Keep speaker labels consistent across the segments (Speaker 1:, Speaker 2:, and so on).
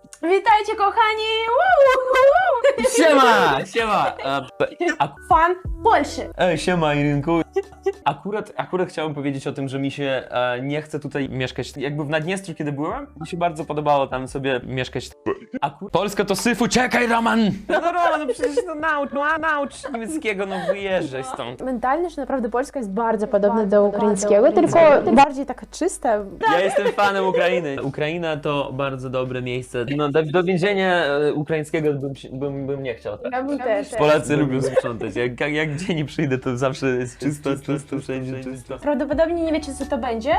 Speaker 1: Witajcie, kochani!
Speaker 2: Siema! Siema!
Speaker 1: Fan Polszy.
Speaker 2: Siema, Irynku. Akurat chciałem powiedzieć o tym, że mi się nie chce tutaj mieszkać. Jakby w Naddniestrzu, kiedy byłem, mi się bardzo podobało tam sobie mieszkać. Polska to syfu, czekaj, Roman! No Roman, no przecież to naucz niemieckiego, no wyjeżdżaj stąd.
Speaker 1: Mentalnie, że naprawdę polska jest bardzo podobna do ukraińskiego, tylko bardziej taka czysta.
Speaker 2: Ja jestem fanem Ukrainy. Ukraina to bardzo dobre miejsce. No, do więzienia ukraińskiego bym nie chciał. Tak?
Speaker 1: Ja bym też.
Speaker 2: Polacy lubią sprzątać. Jak gdzie nie przyjdę, to zawsze jest czysto, wszędzie czysto.
Speaker 1: Prawdopodobnie nie wiecie, co to będzie?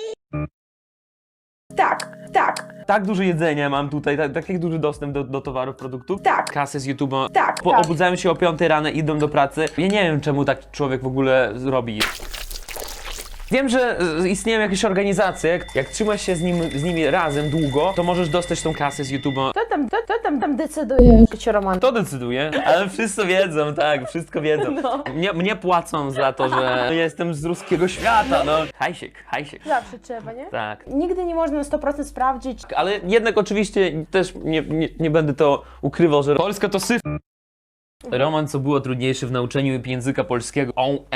Speaker 1: Tak.
Speaker 2: Tak dużo jedzenia mam tutaj, tak duży dostęp do towarów, produktów.
Speaker 1: Tak.
Speaker 2: Kasy z YouTube'a.
Speaker 1: Tak.
Speaker 2: Obudzałem się o 5 rano, idą do pracy. Ja nie wiem, czemu tak człowiek w ogóle robi. Wiem, że istnieją jakieś organizacje, jak trzymasz się z nimi razem długo, to możesz dostać tą kasę z YouTube'a.
Speaker 1: Kto tam decyduje? Czy Roman?
Speaker 2: To decyduje, ale wszyscy wiedzą, tak, wszystko wiedzą.
Speaker 1: No.
Speaker 2: Mnie płacą za to, że jestem z ruskiego świata, no. Hajsiek.
Speaker 1: Zawsze trzeba, nie?
Speaker 2: Tak.
Speaker 1: Nigdy nie można na 100% sprawdzić.
Speaker 2: Ale jednak oczywiście też nie będę to ukrywał, że Polska to syf. Roman, co było trudniejsze w nauczeniu języka polskiego.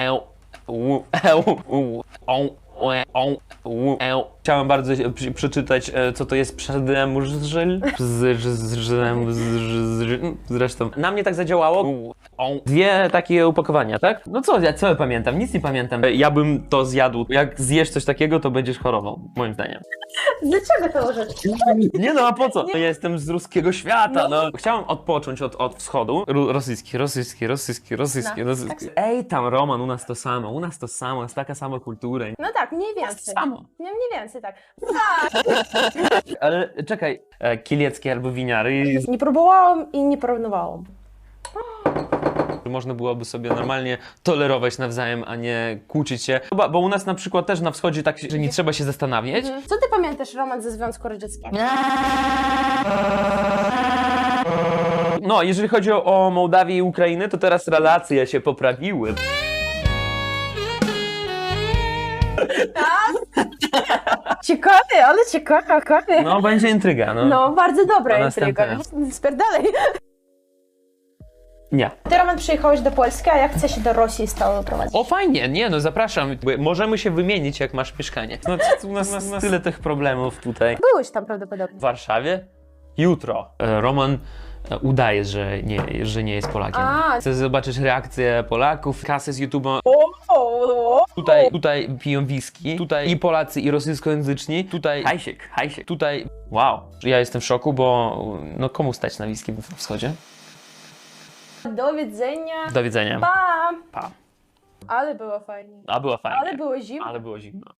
Speaker 2: Chciałem bardzo przeczytać, co to jest przedemrzel. Zresztą na mnie tak zadziałało. Dwie takie upakowania, tak? No co ja pamiętam? Nic nie pamiętam. Ja bym to zjadł. Jak zjesz coś takiego, to będziesz chorował, moim zdaniem.
Speaker 1: Dlaczego to użyć?
Speaker 2: Nie no, a po co? Ja jestem z ruskiego świata, no. Chciałem odpocząć od wschodu. Rosyjski. Ej, tam Roman, u nas to samo, jest taka sama kultura.
Speaker 1: No tak, mniej więcej.
Speaker 2: Samo.
Speaker 1: No, mniej więcej, tak.
Speaker 2: Ale czekaj, kieleckie albo winiary,
Speaker 1: Nie próbowałam i nie porównywałam.
Speaker 2: można byłoby sobie normalnie tolerować nawzajem, a nie kłócić się. Bo u nas na przykład też na wschodzie tak, że nie trzeba się zastanawiać.
Speaker 1: Co ty pamiętasz, Roman, ze Związku Radzieckiego?
Speaker 2: No, jeżeli chodzi o Mołdawię i Ukrainę, to teraz relacje się poprawiły.
Speaker 1: Ciekawe, ale ciekawe.
Speaker 2: No, będzie intryga, no.
Speaker 1: No, bardzo dobra
Speaker 2: To
Speaker 1: intryga.
Speaker 2: następne.
Speaker 1: Spierdalej.
Speaker 2: Nie.
Speaker 1: Ty, Roman, przyjechałeś do Polski, a jak chcesz się do Rosji stałe prowadzić?
Speaker 2: O, fajnie, nie no, zapraszam. Możemy się wymienić, jak masz mieszkanie. No, u nas tyle tych problemów tutaj.
Speaker 1: Byłeś tam prawdopodobnie.
Speaker 2: W Warszawie? Jutro. Roman udaje, że nie jest Polakiem.
Speaker 1: A.
Speaker 2: Chcę zobaczyć reakcję Polaków, kasę z YouTube'a.
Speaker 1: O.
Speaker 2: Tutaj piją whisky, tutaj i Polacy, i rosyjskojęzyczni, tutaj hajsiek, tutaj wow. Ja jestem w szoku, bo no komu stać na whisky w wschodzie?
Speaker 1: Do widzenia.
Speaker 2: Do widzenia.
Speaker 1: Pa.
Speaker 2: Pa.
Speaker 1: Ale było fajnie.
Speaker 2: A było fajnie.
Speaker 1: Ale było zimno.
Speaker 2: Ale było zimno.